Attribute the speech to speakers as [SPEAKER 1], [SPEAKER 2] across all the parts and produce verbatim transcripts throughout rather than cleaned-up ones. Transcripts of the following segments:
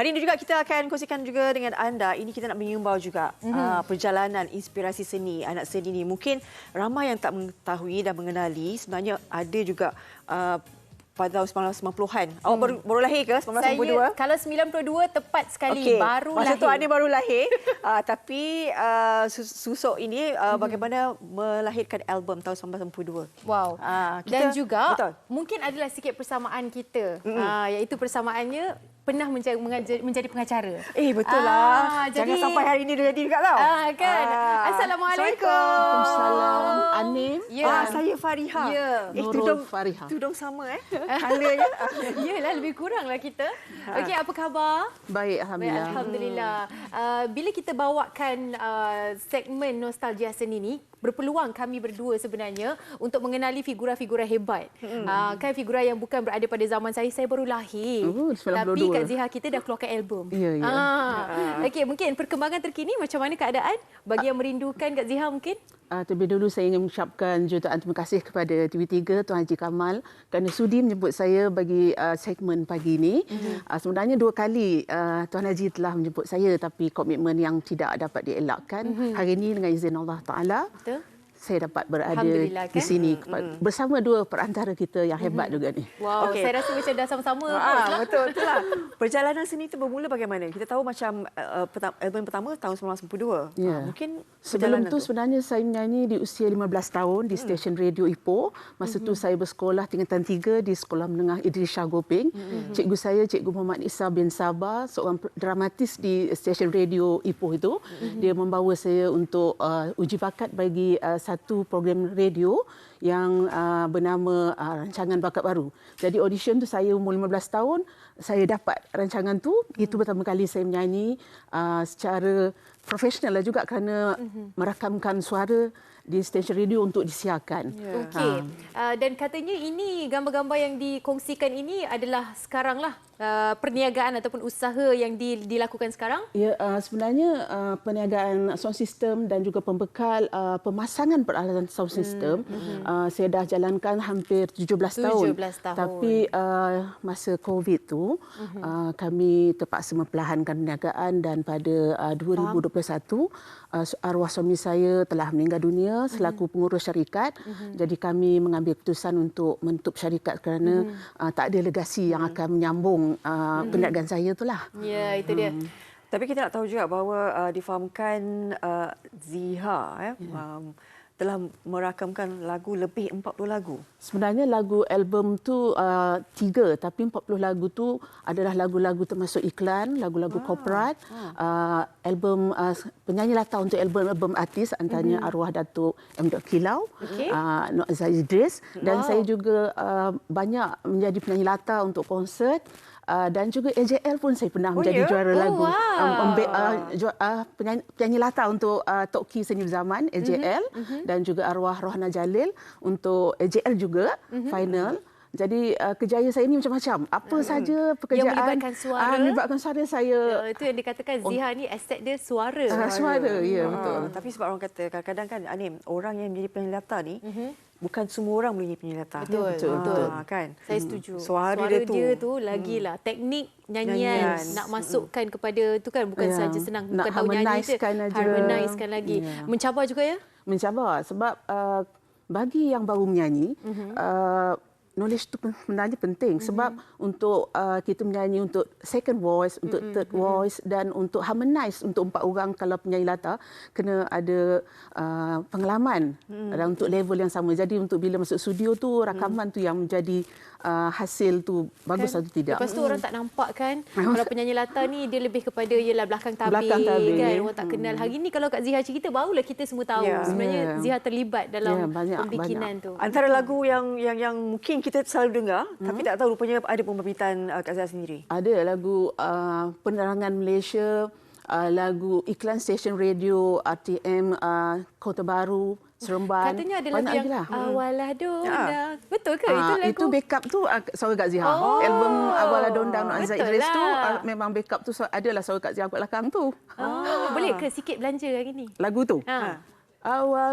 [SPEAKER 1] Hari ini juga kita akan kongsikan juga dengan anda. Ini kita nak mengimbau juga mm-hmm. uh, perjalanan inspirasi seni anak seni ini. Mungkin ramai yang tak mengetahui dan mengenali. Sebenarnya ada juga uh, pada tahun sembilan belas sembilan puluhan. Awak hmm. baru, baru lahir ke sembilan belas sembilan puluh dua?
[SPEAKER 2] Saya, kalau sembilan puluh dua tepat sekali, okay. baru
[SPEAKER 1] Masa
[SPEAKER 2] lahir.
[SPEAKER 1] Masa tu Ani baru lahir. uh, tapi uh, Susuk ini uh, hmm. bagaimana melahirkan album tahun sembilan belas sembilan puluh dua.
[SPEAKER 2] Wow.
[SPEAKER 1] Uh, kita,
[SPEAKER 2] Dan juga
[SPEAKER 1] betul.
[SPEAKER 2] mungkin adalah sikit persamaan kita. Hmm. Uh, iaitu persamaannya pernah menjadi, menjadi pengacara.
[SPEAKER 1] Eh, betul lah. Ah, Jangan jadi, sampai hari ini dia jadi juga tau.
[SPEAKER 2] Ah, kan? Ah. Assalamualaikum.
[SPEAKER 3] Waalaikumsalam. Anim.
[SPEAKER 1] Ya. Ah, saya Fariha.
[SPEAKER 2] Ya.
[SPEAKER 1] Eh,
[SPEAKER 3] Nurul
[SPEAKER 1] tudung,
[SPEAKER 3] Fariha.
[SPEAKER 1] Tudung sama eh. Colornya.
[SPEAKER 2] Yalah, lebih kuranglah kita. Okey, apa khabar?
[SPEAKER 3] Baik, Alhamdulillah.
[SPEAKER 2] Baik, Alhamdulillah. Uh, bila kita bawakan uh, segmen Nostalgia Seni ni, berpeluang kami berdua sebenarnya untuk mengenali figura-figura hebat. Hmm. Uh, kan figura yang bukan berada pada zaman saya, saya baru lahir.
[SPEAKER 3] Oh,
[SPEAKER 2] Tapi Kak Ziha kita dah keluarkan album.
[SPEAKER 3] Ya, ya.
[SPEAKER 2] Ah. Okey, mungkin perkembangan terkini macam mana keadaan bagi yang merindukan Kak Ziha mungkin?
[SPEAKER 3] Uh, terlebih dulu saya ingin mengucapkan jutaan terima kasih kepada T V tiga Tuan Haji Kamal kerana sudi menjemput saya bagi uh, segmen pagi ini. Mm-hmm. Uh, sebenarnya dua kali uh, Tuan Haji telah menjemput saya tapi komitmen yang tidak dapat dielakkan. Mm-hmm. Hari ini dengan izin Allah Taala. Betul. Saya dapat berada
[SPEAKER 2] kan?
[SPEAKER 3] di sini mm-hmm. bersama dua perantara kita yang hebat mm-hmm. juga ni.
[SPEAKER 2] Wow, okay. Saya rasa macam dah sama-sama.
[SPEAKER 1] Ah, betul, betul lah. Perjalanan seni itu bermula bagaimana? Kita tahu macam uh, peta- album pertama tahun sembilan belas sembilan puluh dua.
[SPEAKER 3] Yeah.
[SPEAKER 1] Ah, mungkin
[SPEAKER 3] sebelum tu,
[SPEAKER 1] tu
[SPEAKER 3] sebenarnya saya menyanyi di usia lima belas tahun di stesen radio Ipoh. Masa mm-hmm. tu saya bersekolah tingkatan tiga di Sekolah Menengah Idris Shah Gopeng. Mm-hmm. Cikgu saya, Cikgu Muhammad Isa bin Sabah, seorang dramatis di stesen radio Ipoh itu. Mm-hmm. Dia membawa saya untuk uh, uji bakat bagi uh, satu program radio yang uh, bernama uh, Rancangan Bakat Baru. Jadi audition tu saya umur lima belas tahun, saya dapat rancangan tu. Hmm. Itu pertama kali saya menyanyi uh, secara profesional lah juga kerana hmm. merakamkan suara di stesen radio untuk disiarkan.
[SPEAKER 2] Yeah. Okey. Ha. Uh, dan katanya ini gambar-gambar yang dikongsikan ini adalah sekaranglah uh, perniagaan ataupun usaha yang di, dilakukan sekarang?
[SPEAKER 3] Ya, uh, sebenarnya uh, perniagaan sound system dan juga pembekal uh, pemasangan peralatan sound system hmm. uh, saya dah jalankan hampir tujuh belas tahun.
[SPEAKER 2] tujuh belas tahun.
[SPEAKER 3] Tapi uh, masa COVID tu hmm. uh, kami terpaksa memperlahankan perniagaan dan pada uh, dua ribu dua puluh satu uh, arwah suami saya telah meninggal dunia selaku pengurus syarikat. Mm-hmm. Jadi kami mengambil keputusan untuk menutup syarikat kerana mm-hmm. uh, tak ada legasi yang akan menyambung uh, mm-hmm. perniagaan saya itulah.
[SPEAKER 2] Ya, itu dia.
[SPEAKER 1] Hmm. Tapi kita nak tahu juga bahawa uh, difahamkan uh, Ziha eh, yeah. um, telah merakamkan lagu lebih empat puluh lagu.
[SPEAKER 3] Sebenarnya lagu album tu uh, tiga, tapi empat puluh lagu tu adalah lagu-lagu termasuk iklan, lagu-lagu ah. korporat, ah. uh, album uh, penyanyi latar untuk album-album artis antaranya mm-hmm. arwah Datuk M. Kilau, okay. uh, Nur Aziz Idris dan wow. saya juga uh, banyak menjadi penyanyi latar untuk konsert. Uh, dan juga A J L pun saya pernah
[SPEAKER 1] oh,
[SPEAKER 3] menjadi
[SPEAKER 1] yeah?
[SPEAKER 3] juara
[SPEAKER 2] oh,
[SPEAKER 3] lagu.
[SPEAKER 2] Wow.
[SPEAKER 3] Um, um, uh, ju- uh, penyanyi, penyanyi latar untuk uh, Toki Senyum Zaman, A J L, mm-hmm. dan juga arwah Rohana Jalil untuk A J L juga, mm-hmm. final. Jadi uh, kejayaan saya ini macam-macam. Apa hmm. saja pekerjaan.
[SPEAKER 2] Yang melibatkan suara.
[SPEAKER 3] Uh, melibatkan suara saya.
[SPEAKER 2] Uh, itu yang dikatakan Ziha ni aset dia suara.
[SPEAKER 3] Uh, suara, ya
[SPEAKER 1] uh,
[SPEAKER 3] betul.
[SPEAKER 1] Tapi sebab orang kata kadang-kadang kan Anim, orang yang menjadi penyanyi latar ni, mm-hmm. bukan semua orang boleh jadi penyanyi latar.
[SPEAKER 2] Betul, betul. betul.
[SPEAKER 1] Ha, kan?
[SPEAKER 2] Saya setuju.
[SPEAKER 1] Suara,
[SPEAKER 2] Suara
[SPEAKER 1] dia,
[SPEAKER 2] dia
[SPEAKER 1] tu,
[SPEAKER 2] dia tu lagilah hmm. teknik nyanyian, nyanyian nak masukkan hmm. kepada tu kan bukan yeah. saja senang
[SPEAKER 3] nak
[SPEAKER 2] bukan tahu nyanyi je, harmonizekan lagi. Yeah. Mencabar juga ya?
[SPEAKER 3] Mencabar sebab uh, bagi yang baru menyanyi mm-hmm. uh, knowledge itu sebenarnya penting mm-hmm. sebab untuk uh, kita menyanyi untuk second voice, untuk mm-hmm. third voice dan untuk harmonize untuk empat orang kalau penyanyi latar kena ada uh, pengalaman mm-hmm. dan untuk level yang sama. Jadi untuk bila masuk studio tu rakaman mm-hmm. tu yang menjadi uh, hasil tu bagus kan? Atau tidak.
[SPEAKER 2] Lepas tu mm-hmm. orang tak nampak kan kalau penyanyi latar ni dia lebih kepada ialah belakang tabir,
[SPEAKER 3] belakang tabir.
[SPEAKER 2] Kan orang tak kenal. Hari ni kalau Kak Ziha cerita barulah kita semua tahu yeah. sebenarnya yeah. Ziha terlibat dalam yeah, banyak, pembikinan banyak. tu.
[SPEAKER 1] Antara lagu yang yang yang mungkin kita selalu dengar hmm. tapi tak tahu rupanya ada pembibitan uh, Kak Ziha sendiri.
[SPEAKER 3] Ada lagu uh, Penerangan Malaysia, uh, lagu iklan stesen radio R T M uh, Kota Baru, Seremban.
[SPEAKER 2] Katanya ada lagu yang lah. Awalah Dondang. Ya. Betul ke? Uh, itu lagu?
[SPEAKER 3] Itu backup tu uh, suara Kak Ziha.
[SPEAKER 2] Oh.
[SPEAKER 3] Album Awalah Dondang Nur Aziz Idris
[SPEAKER 2] lah.
[SPEAKER 3] tu uh, memang backup tu adalah suara Kak Ziha kat belakang tu.
[SPEAKER 2] Oh. Boleh ke sikit belanja hari ni?
[SPEAKER 3] Lagu tu?
[SPEAKER 2] Ha.
[SPEAKER 3] Awal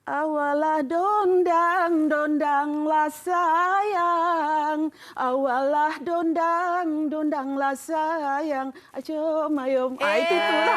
[SPEAKER 3] Awalah dondang, dondanglah sayang. Awalah dondang, dondanglah sayang. Acom ayom. Ah, itu tu lah.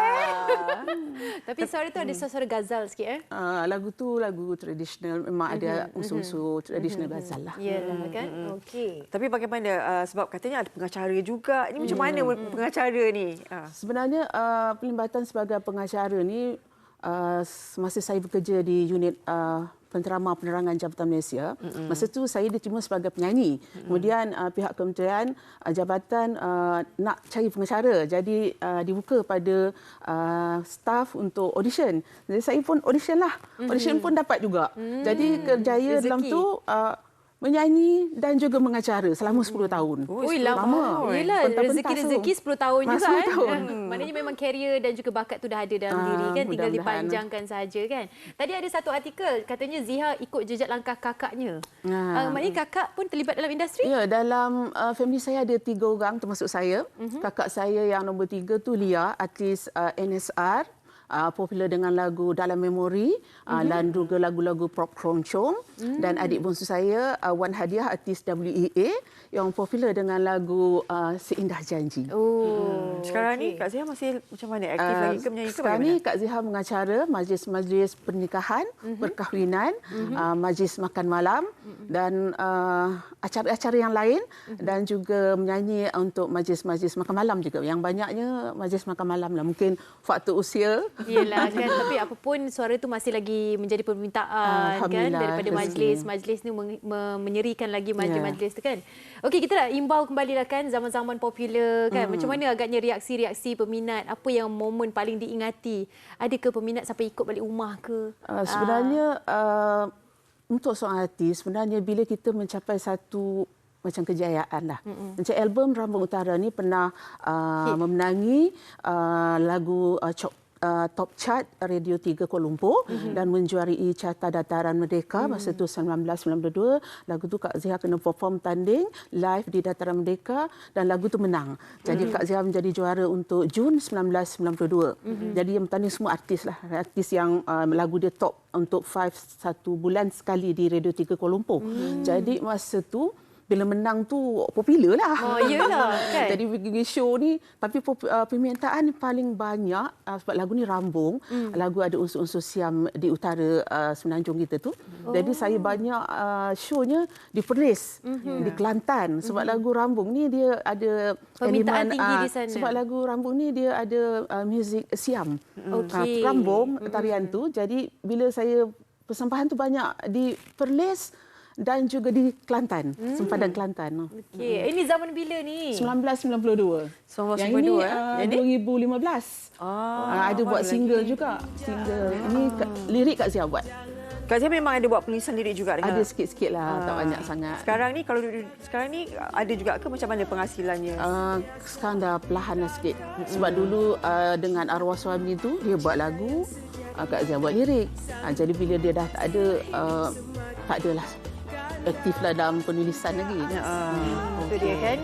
[SPEAKER 2] Tapi suara tu ada suara gazal sikit eh.
[SPEAKER 3] Uh, lagu tu lagu tradisional, memang ada unsur-unsur tradisional gazal lah.
[SPEAKER 2] Yalah kan. Okey.
[SPEAKER 1] Tapi bagaimana uh, sebab katanya ada pengacara juga. Ini macam mana pengacara ni? Uh.
[SPEAKER 3] Sebenarnya uh, pelibatan sebagai pengacara ni uh, masa saya bekerja di unit uh, Penterama Penerangan Jabatan Malaysia, mm-hmm. masa tu saya diterima sebagai penyanyi. Mm-hmm. Kemudian uh, pihak kementerian uh, jabatan uh, nak cari pengacara. Jadi uh, dibuka pada uh, staf untuk audition. Jadi saya pun audition lah. Mm-hmm. Audition pun dapat juga. Mm-hmm. Jadi kerjaya Rezeki. dalam tu uh, menyanyi dan juga mengacara selama sepuluh tahun.
[SPEAKER 2] Ui, lama. Yelah, rezeki-rezeki sepuluh tahun juga.
[SPEAKER 3] sepuluh tahun.
[SPEAKER 2] Eh. Maknanya memang karier dan juga bakat tu dah ada dalam ah, diri kan. Tinggal dipanjangkan saja kan. Tadi ada satu artikel, katanya Ziha ikut jejak langkah kakaknya. Ah. Uh, maknanya kakak pun terlibat dalam industri?
[SPEAKER 3] Ya, dalam uh, family saya ada tiga orang termasuk saya. Uh-huh. Kakak saya yang nombor tiga tu Lia, artis uh, N S R. Uh, popular dengan lagu Dalam Memori uh, mm-hmm. dan juga lagu-lagu pop keroncong. Mm. Dan adik bongsu saya uh, Wan Hadiah, artis W E A yang popular dengan lagu uh, Seindah Janji.
[SPEAKER 1] Oh, hmm. Sekarang okay. ni Kak Ziha masih macam mana? Aktif uh, lagi ke menyanyi ke
[SPEAKER 3] sekarang ni Kak Ziha mengacara majlis-majlis pernikahan, mm-hmm. perkahwinan, mm-hmm. uh, majlis makan malam mm-hmm. dan uh, acara-acara yang lain mm-hmm. dan juga menyanyi untuk majlis-majlis makan malam juga. Yang banyaknya majlis makan malam lah. Mungkin faktor usia.
[SPEAKER 2] Yelah kan, tapi apapun suara tu masih lagi menjadi permintaan kan daripada majlis. Majlis ni menyerikan lagi majlis-majlis tu kan. Okey, kita nak imbau kembali lah kan zaman-zaman popular kan. Hmm. Macam mana agaknya reaksi-reaksi peminat? Apa yang momen paling diingati? Adakah peminat sampai ikut balik rumah ke?
[SPEAKER 3] Uh, sebenarnya uh, untuk seorang artis, sebenarnya bila kita mencapai satu macam kejayaan lah. Mm-hmm. Macam album Rambung Utara ni pernah uh, memenangi uh, lagu uh, Chop Uh, top chart Radio tiga Kuala Lumpur mm-hmm. dan menjuarai Carta Dataran Merdeka mm. masa tu seribu sembilan ratus sembilan puluh dua. Lagu tu Kak Ziha kena perform tanding live di Dataran Merdeka dan lagu tu menang. Jadi mm. Kak Ziha menjadi juara untuk Jun seribu sembilan ratus sembilan puluh dua. Mm-hmm. Jadi yang bertanding semua artis lah. Artis yang uh, lagu dia top untuk five satu bulan sekali di Radio tiga Kuala Lumpur. Mm. Jadi masa tu bila menang tu popular lah.
[SPEAKER 2] Oh, iyalah kan.
[SPEAKER 3] Jadi pergi show ni, tapi uh, permintaan paling banyak uh, sebab lagu ni rambung. Mm. Lagu ada unsur-unsur Siam di utara uh, Semenanjung kita tu. Oh. Jadi saya banyak uh, show-nya di Perlis, mm-hmm. di Kelantan. Sebab mm-hmm. lagu rambung ni dia ada
[SPEAKER 2] permintaan elemen, tinggi
[SPEAKER 3] uh,
[SPEAKER 2] di sana.
[SPEAKER 3] Sebab lagu rambung ni dia ada uh, muzik Siam.
[SPEAKER 2] Okay.
[SPEAKER 3] Uh, rambung,
[SPEAKER 2] mm-hmm.
[SPEAKER 3] tarian tu. Jadi bila saya persembahan tu banyak di Perlis dan juga di Kelantan, hmm. sempadan Kelantan.
[SPEAKER 2] Okey, hmm. ini zaman bila ni?
[SPEAKER 3] seribu sembilan ratus sembilan puluh dua.
[SPEAKER 1] seribu sembilan ratus
[SPEAKER 3] Yang
[SPEAKER 1] sembilan puluh dua
[SPEAKER 3] ini
[SPEAKER 1] eh?
[SPEAKER 3] uh, dua ribu lima belas.
[SPEAKER 1] Ah,
[SPEAKER 3] uh, ada buat single lagi. juga. Single. Ah. Ini lirik Kak Ziha buat.
[SPEAKER 1] Kak Ziha memang ada buat penulisan lirik juga dengan...
[SPEAKER 3] Ada sikit-sikit lah, ah. tak banyak sangat.
[SPEAKER 1] Sekarang ni kalau sekarang ni ada juga ke macam mana penghasilannya?
[SPEAKER 3] Uh, sekarang dah perlahan lah sikit. Sebab dulu uh, dengan arwah suami tu dia buat lagu, uh, Kak Ziha buat lirik. Uh, jadi bila dia dah tak ada, uh, tak adalah aktiflah dalam penulisan lagi.
[SPEAKER 2] Ya, uh, itu dia kan.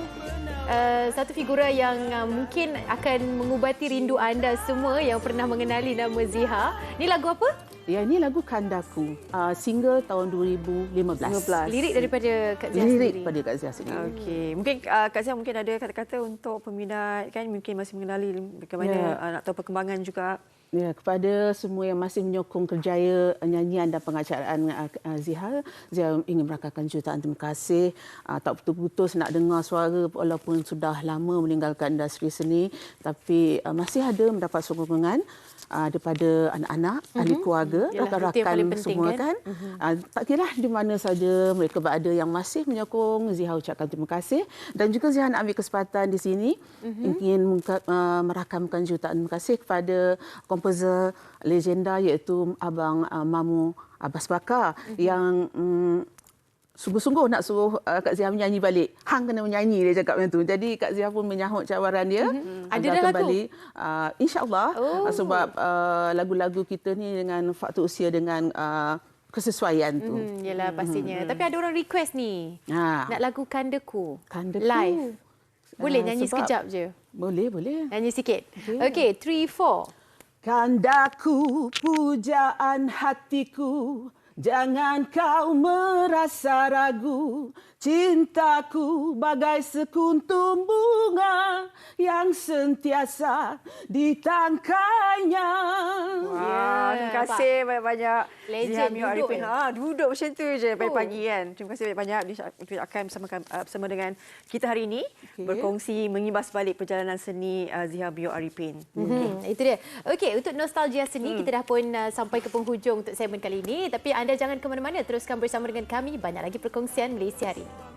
[SPEAKER 2] Uh, satu figura yang uh, mungkin akan mengubati rindu anda semua yang pernah mengenali nama Ziha. Ni lagu apa?
[SPEAKER 3] Ya, ini lagu Kandaku. Uh, single tahun dua ribu lima belas.
[SPEAKER 2] Lirik daripada Kak Ziha
[SPEAKER 3] Lirik
[SPEAKER 2] sendiri.
[SPEAKER 3] Lirik daripada Kak Ziha sendiri.
[SPEAKER 1] Okey. Mungkin uh, Kak Ziha mungkin ada kata-kata untuk peminat kan, mungkin masih mengenali bagaimana ya. uh, nak tahu perkembangan juga.
[SPEAKER 3] Ya, kepada semua yang masih menyokong kerjaya nyanyian dan pengacaraan uh, Ziha, Ziha ingin merakamkan jutaan terima kasih. Uh, tak putus-putus nak dengar suara walaupun sudah lama meninggalkan industri seni, tapi uh, masih ada mendapat sokongan uh, daripada anak-anak, mm-hmm. ahli keluarga, rakan-rakan semua kan. kan? Mm-hmm. Uh, tak kira di mana saja mereka berada yang masih menyokong, Ziha ucapkan terima kasih. Dan juga Ziha nak ambil kesempatan di sini mm-hmm. ingin uh, merakamkan jutaan terima kasih kepada komposer legenda iaitu Abang uh, Mamu Abbas Bakar mm-hmm. yang um, sungguh-sungguh nak suruh uh, Kak Ziha menyanyi balik. Hang kena menyanyi, dia cakap macam tu. Jadi Kak Ziha pun menyahut cabaran dia.
[SPEAKER 2] Mm-hmm. Ada dah
[SPEAKER 3] kembali.
[SPEAKER 2] lagu?
[SPEAKER 3] Uh, InsyaAllah. Oh. Uh, sebab uh, lagu-lagu kita ni dengan faktor usia, dengan uh, kesesuaian tu.
[SPEAKER 2] Mm-hmm. Yelah pastinya. Mm-hmm. Tapi ada orang request ni. Ha. Nak lagu Kandaku.
[SPEAKER 3] Kandaku.
[SPEAKER 2] Live. Boleh uh, nyanyi
[SPEAKER 3] sebab,
[SPEAKER 2] sekejap je?
[SPEAKER 3] Boleh, boleh.
[SPEAKER 2] Nyanyi sikit. Okey, okay, three, four.
[SPEAKER 3] Kandaku, pujaan hatiku, jangan kau merasa ragu. Cintaku bagai sekuntum bunga yang sentiasa ditangkainya.
[SPEAKER 1] Wah, terima kasih banyak-banyak.
[SPEAKER 2] Legend
[SPEAKER 1] Ziha Mio
[SPEAKER 2] duduk
[SPEAKER 1] Arifin.
[SPEAKER 2] je.
[SPEAKER 1] Ha, duduk macam tu je
[SPEAKER 2] Oh.
[SPEAKER 1] pagi-pagi kan. Terima kasih banyak-banyak diucapkan bersama, bersama dengan kita hari ini.
[SPEAKER 3] Okey.
[SPEAKER 1] Berkongsi mengimbas balik perjalanan seni uh, Ziha Mio Arifin.
[SPEAKER 2] Hmm, itu dia. Okey, untuk nostalgia seni, hmm. kita dah pun uh, sampai ke penghujung untuk segmen kali ini. Tapi anda jangan ke mana-mana, teruskan bersama dengan kami. Banyak lagi perkongsian Malaysia hari ini.